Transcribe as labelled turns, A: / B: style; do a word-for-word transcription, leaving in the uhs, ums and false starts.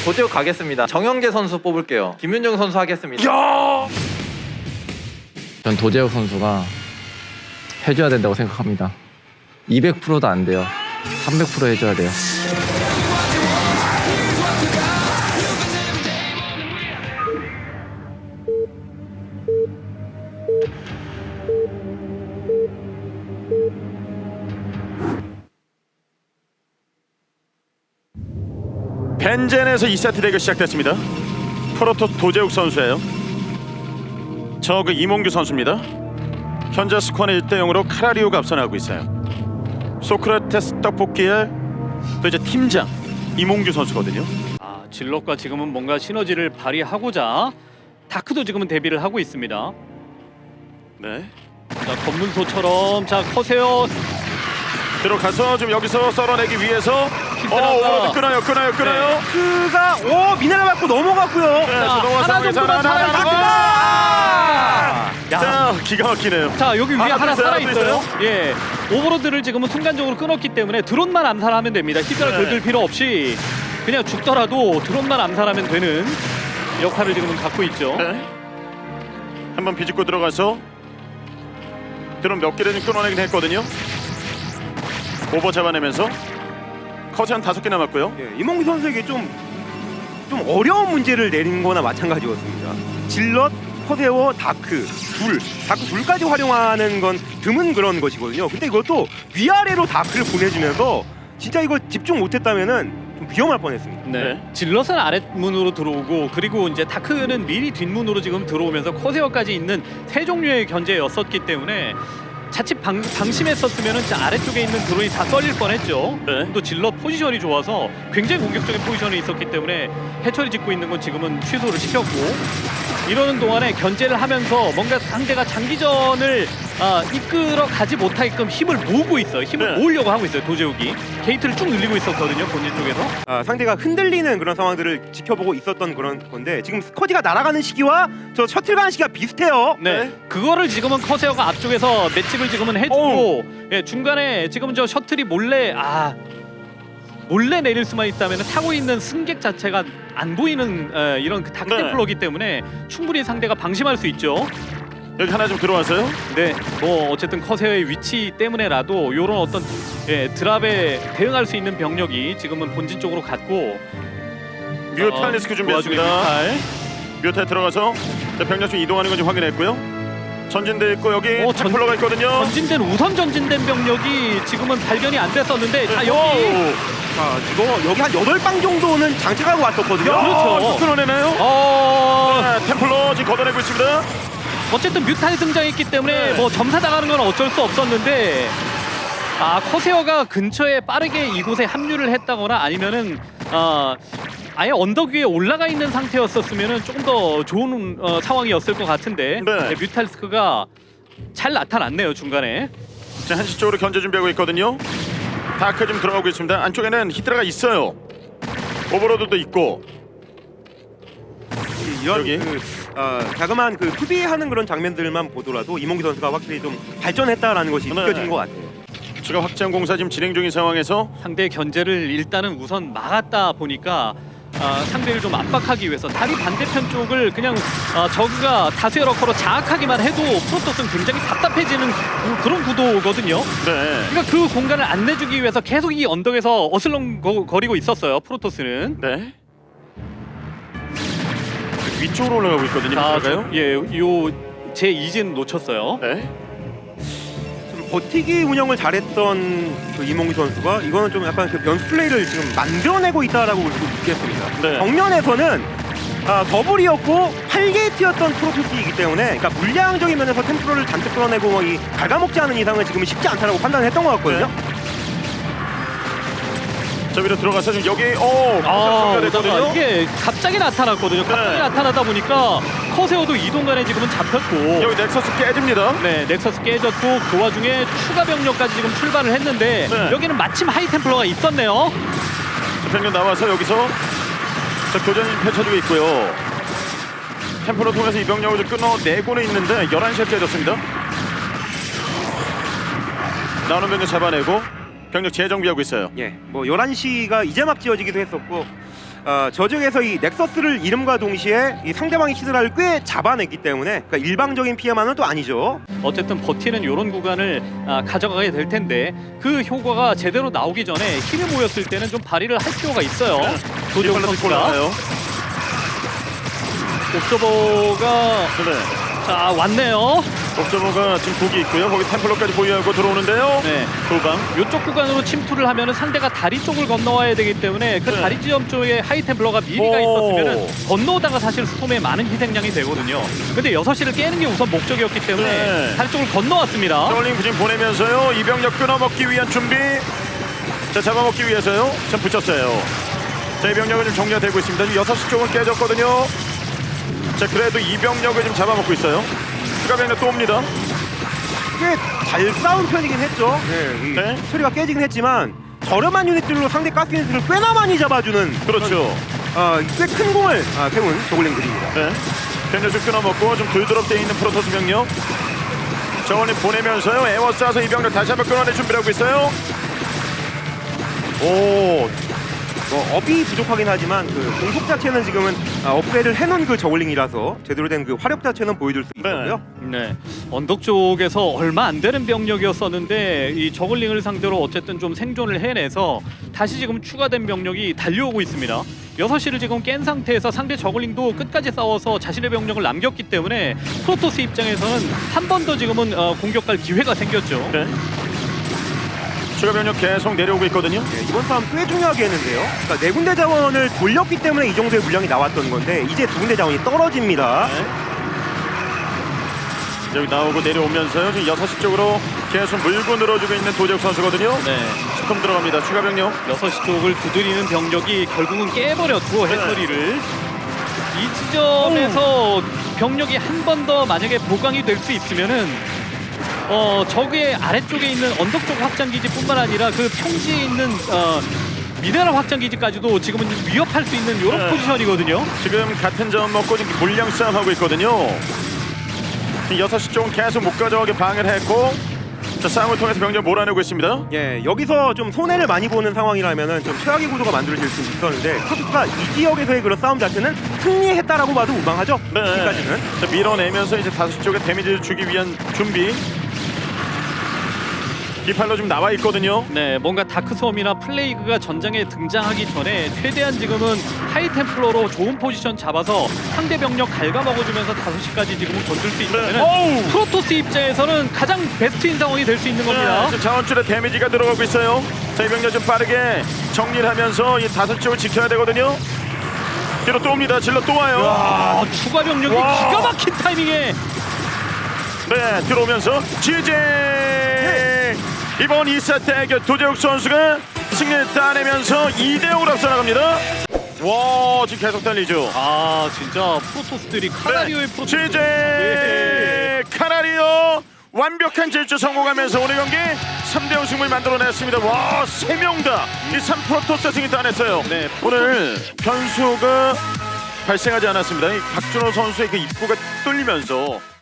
A: 도제욱 가겠습니다. 정영재 선수 뽑을게요. 김윤중 선수 하겠습니다.
B: 야!
A: 전 도제욱 선수가 해줘야 된다고 생각합니다. 이백 퍼센트도 안 돼요. 삼백 퍼센트 해줘야 돼요.
B: 벤젠에서 이 세트 대결 시작됐습니다. 프로토스 도제욱 선수예요. 저 그 이몽규 선수입니다. 현재 스코어는 일 대 영으로 카라리오가 앞서나가고 있어요. 소크라테스 떡볶이의 또 이제 팀장 이몽규 선수거든요.
C: 아, 질럿과 지금은 뭔가 시너지를 발휘하고자 다크도 지금은 데뷔를 하고 있습니다.
B: 네.
C: 자, 검문소처럼 자 커세요.
B: 들어가서 좀 여기서 썰어내기 위해서
C: 힘들어가.
B: 어, 오버로드 끊어요, 끊어요, 끊어요.
D: 그가 오 미네랄 맞고 넘어갔고요.
B: 네, 자, 넘어가서
C: 하나
B: 상황에서
C: 정도만
B: 하나, 하나,
C: 살아있으면
B: 하나.
C: 야.
B: 자, 기가 막히네요.
C: 자 여기 위에
B: 하나
C: 하나
B: 또 있어요,
C: 살아
B: 또
C: 있어요.
B: 있어요?
C: 예, 오버로드를 지금은 순간적으로 끊었기 때문에 드론만 암살하면 됩니다. 히드라
B: 네.
C: 긁을 필요 없이 그냥 죽더라도 드론만 암살하면 되는 역할을 지금은 갖고 있죠.
B: 네. 한번 비집고 들어가서 드론 몇 개를 좀 끊어내긴 했거든요. 오버 잡아내면서 컷이 한 다섯 개 남았고요.
D: 예, 이몽규 선수에게 좀, 좀 어려운 문제를 내린 거나 마찬가지였습니다. 질럿, 커세어, 다크, 둘, 다크 둘까지 활용하는 건 드문 그런 것이거든요. 근데 이것도 위아래로 다크를 보내주면서 진짜 이거 집중 못했다면은 좀 위험할 뻔했습니다.
C: 네.
B: 네.
C: 질럿은 아랫문으로 들어오고 그리고 이제 다크는 미리 뒷문으로 지금 들어오면서 커세어까지 있는 세 종류의 견제였었기 때문에 자칫 방, 방심했었으면 아래쪽에 있는 드론이 다 썰릴 뻔했죠.
B: 네.
C: 또 질럿 포지션이 좋아서 굉장히 공격적인 포지션에 있었기 때문에 해처리 짓고 있는 건 지금은 취소를 시켰고 이러는 동안에 견제를 하면서 뭔가 상대가 장기전을 아, 이끌어 가지 못하게끔 힘을 모으고 있어요. 힘을
B: 네.
C: 모으려고 하고 있어요. 도제욱이 게이트를 쭉 늘리고 있었거든요. 본진 쪽에서.
D: 아, 상대가 흔들리는 그런 상황들을 지켜보고 있었던 그런 건데 지금 스쿼지가 날아가는 시기와 저 셔틀 가는 시기가 비슷해요.
C: 네. 그거를 지금은 커세어가 앞쪽에서 맷집을 지금은 해주고 예, 중간에 지금은 저 셔틀이 몰래 아 몰래 내릴 수만 있다면 타고 있는 승객 자체가 안 보이는 에, 이런 그 다크템플러기 때문에 충분히 상대가 방심할 수 있죠.
B: 여기 하나 좀 들어와서요.
C: 네, 뭐 어쨌든 커세어의 위치 때문에라도 이런 어떤 예, 드랍에 대응할 수 있는 병력이 지금은 본진 쪽으로 갔고
B: 뮤탈
C: 어,
B: 리스크
C: 그 와중에
B: 준비했습니다.
C: 뮤탈.
B: 뮤탈 들어가서 자, 병력 좀 이동하는 건지 확인했고요. 전진대 있고 여기
C: 어, 전-
B: 템플러가 있거든요.
C: 전진된 우선 전진된 병력이 지금은 발견이 안 됐었는데 자 여기
B: 오!
D: 자, 이거 여기 한 여덟 방 정도는 장착하고 왔었거든요.
B: 야,
C: 그렇죠.
B: 이거 끊어내나요?
C: 어
B: 네, 템플러 지금 걷어내고 있습니다.
C: 어쨌든 뮤탄이 등장했기 때문에
B: 네.
C: 뭐 점사 당하는 건 어쩔 수 없었는데 아 커세어가 근처에 빠르게 이곳에 합류를 했다거나 아니면은 아 아예 언덕 위에 올라가 있는 상태였었으면은 조금 더 좋은 어, 상황이었을 것 같은데
B: 네.
C: 네, 뮤탈스크가 잘 나타났네요 중간에.
B: 자, 한시 쪽으로 견제 준비하고 있거든요. 다크 좀 들어가고 있습니다. 안쪽에는 히드라가 있어요. 오버로드도 있고.
D: 이런
B: 여기.
D: 그 어, 자그마한 그 수비하는 그런 장면들만 보더라도 이몽규 선수가 확실히 좀 발전했다라는 것이
B: 네.
D: 느껴지는 것 같아요.
B: 추가 확장 공사 지금 진행 중인 상황에서
C: 상대 견제를 일단은 우선 막았다 보니까 아, 상대를 좀 압박하기 위해서 다리 반대편 쪽을 그냥 아, 저그가 다수의 러커로 장악하기만 해도 프로토스는 굉장히 답답해지는 그- 그런 구도거든요.
B: 네.
C: 그러니까 그 공간을 안 내주기 위해서 계속 이 언덕에서 어슬렁거리고 있었어요. 프로토스는.
B: 네. 위쪽으로 올라가고 있거든요.
C: 자,
B: 들어가요?
C: 예, 요제 이진 놓쳤어요.
B: 네.
D: 좀 버티기 운영을 잘했던 그 이몽규 선수가 이거는 좀 약간 그 변수 플레이를 지금 만들어내고 있다라고 볼 수 있겠습니다.
B: 네.
D: 정면에서는 아, 더블이었고 팔 게이트였던 프로토스이기 때문에 그러니까 물량적인 면에서 템플러를 잔뜩 끌어내고 뭐이 갉아먹지 않은 이상은 지금 쉽지 않다라고 판단을 했던 것 같거든요.
B: 자, 위로 들어가서 지금 여기 오!
C: 아,
B: 됐거든요.
C: 오다가 이게 갑자기 나타났거든요. 갑자기
B: 네.
C: 나타나다 보니까 커세어도 이동간에 지금은 잡혔고
B: 여기 넥서스 깨집니다.
C: 네, 넥서스 깨졌고 그 와중에 추가 병력까지 지금 출발을 했는데
B: 네.
C: 여기는 마침 하이템플러가 있었네요.
B: 자, 병력 나와서 여기서 자, 교전이 펼쳐지고 있고요. 템플러 통해서 이 병력을 좀 끊어내고는 있는데 열한 시에 깨졌습니다. 나오는 병력 잡아내고 병력 재정비하고 있어요.
D: 예, 뭐 열한 시가 이제 막 지어지기도 했었고 어, 저쪽에서 이 넥서스를 이름과 동시에 이 상대방의 히드라를 꽤 잡아냈기 때문에 그러니까 일방적인 피해만은 또 아니죠.
C: 어쨌든 버티는 이런 구간을 아, 가져가게 될 텐데 그 효과가 제대로 나오기 전에 힘이 모였을 때는 좀 발휘를 할 필요가 있어요. 도재욱
B: 뒷발로
C: 선수가
B: 올라가요.
C: 옵저버가
B: 네.
C: 자 왔네요.
B: 옥저버가 지금 북이 있고요. 거기 템플러까지 보유하고 들어오는데요.
C: 네.
B: 도방.
C: 이쪽 구간으로 침투를 하면은 상대가 다리 쪽을 건너와야 되기 때문에 그
B: 네.
C: 다리 지점 쪽에 하이템플러가 미리가
B: 오.
C: 있었으면은 건너오다가 사실 스톰에 많은 희생양이 되거든요. 근데 여섯 시를 깨는 게 우선 목적이었기 때문에
B: 네.
C: 다리 쪽을 건너왔습니다.
B: 저울링 지금 보내면서요. 이병력 끊어먹기 위한 준비. 자, 잡아먹기 위해서요. 참 붙였어요. 자, 이병력은 지금 정리가 되고 있습니다. 지금 여섯 시 쪽은 깨졌거든요. 자, 그래도 이병력을 지금 잡아먹고 있어요. 추가 병력 또 옵니다.
D: 꽤 잘 싸운 편이긴 했죠. 네, 이
B: 네.
D: 처리가 깨지긴 했지만 저렴한 유닛들로 상대 가스 유닛을 꽤나 많이 잡아주는
B: 그렇죠.
D: 어, 꽤 큰 공을 아, 세운 저글링들입니다.
B: 네. 병력 좀 끊어먹고 좀 돌드롭되어 있는 프로토스 병력. 저울링 보내면서요. 에워 쏴서 이병력 다시 한번 끊어낼 준비를 하고 있어요. 오.
D: 뭐 업이 부족하긴 하지만 그 공속 자체는 지금은 아, 업그레이드를 해놓은 그 저글링이라서 제대로 된 그 화력 자체는 보여줄 수 있고요.
C: 네, 언덕 쪽에서 얼마 안 되는 병력이었었는데 이 저글링을 상대로 어쨌든 좀 생존을 해내서 다시 지금 추가된 병력이 달려오고 있습니다. 여섯 시를 지금 깬 상태에서 상대 저글링도 끝까지 싸워서 자신의 병력을 남겼기 때문에 프로토스 입장에서는 한 번 더 지금은 어, 공격할 기회가 생겼죠.
B: 네. 추가 병력 계속 내려오고 있거든요.
D: 네, 이번 싸움 꽤 중요하게 했는데요. 그러니까 네 군데 자원을 돌렸기 때문에 이 정도의 물량이 나왔던 건데 이제 두 군데 자원이 떨어집니다.
B: 네. 여기 나오고 내려오면서요. 지금 여섯 시 쪽으로 계속 물고 늘어주고 있는 도재욱 선수거든요.
C: 네,
B: 스톰 들어갑니다. 추가 병력.
C: 여섯 시 쪽을 두드리는 병력이 결국은 깨버렸고 해처리를 이 지점에서 병력이 한 번 더 만약에 보강이 될 수 있으면은 어 적의 아래쪽에 있는 언덕 쪽 확장 기지뿐만 아니라 그 평지에 있는 어 미네랄 확장 기지까지도 지금은 위협할 수 있는 이런
B: 네.
C: 포지션이거든요.
B: 지금 같은 점 먹고 지금 물량 싸움하고 있거든요. 지금 여섯 시 쪽은 계속 못 가져가게 방해를 했고 자, 싸움을 통해서 병력 몰아내고 있습니다.
D: 예, 여기서 좀 손해를 많이 보는 상황이라면은 좀 최악의 구도가 만들어질 수 있었는데 프로토스가 이 지역에서의 그런 싸움 자체는 승리했다라고 봐도 무방하죠.
B: 네.
D: 여기까지는.
B: 자, 밀어내면서 이제 다섯 시 쪽에 데미지를 주기 위한 준비. 디팔로 좀 나와 있거든요.
C: 네, 뭔가 다크솜이나 플레이그가 전장에 등장하기 전에 최대한 지금은 하이템플러로 좋은 포지션 잡아서 상대 병력 갉아먹어주면서 다섯 시까지 지금은 건들 수 있다면
B: 어우!
C: 프로토스 입장에서는 가장 베스트인 상황이 될 수 있는 겁니다.
B: 네, 지금 자원줄에 데미지가 들어가고 있어요. 자, 이 병력 좀 빠르게 정리를 하면서 이 다섯 쪽을 지켜야 되거든요. 뒤로 또 옵니다. 질러 또 와요.
C: 아, 추가 병력이
B: 와.
C: 기가 막힌 타이밍에
B: 네, 들어오면서 지제 이번 이 세트 대결 도재욱 선수가 승리를 따내면서 이 대 오로 앞서 나갑니다. 와, 지금 계속 달리죠.
C: 아 진짜 프로토스들이 카나리오의 프로토스
B: 지제
C: 네.
B: 카나리오 완벽한 질주 성공하면서 오늘 경기 삼 대 영 승부를 만들어냈습니다. 와, 세 명 다 이 삼 프로토스 승리 따냈어요.
C: 네,
B: 오늘 변수가 발생하지 않았습니다. 이 박준호 선수의 그 입구가 뚫리면서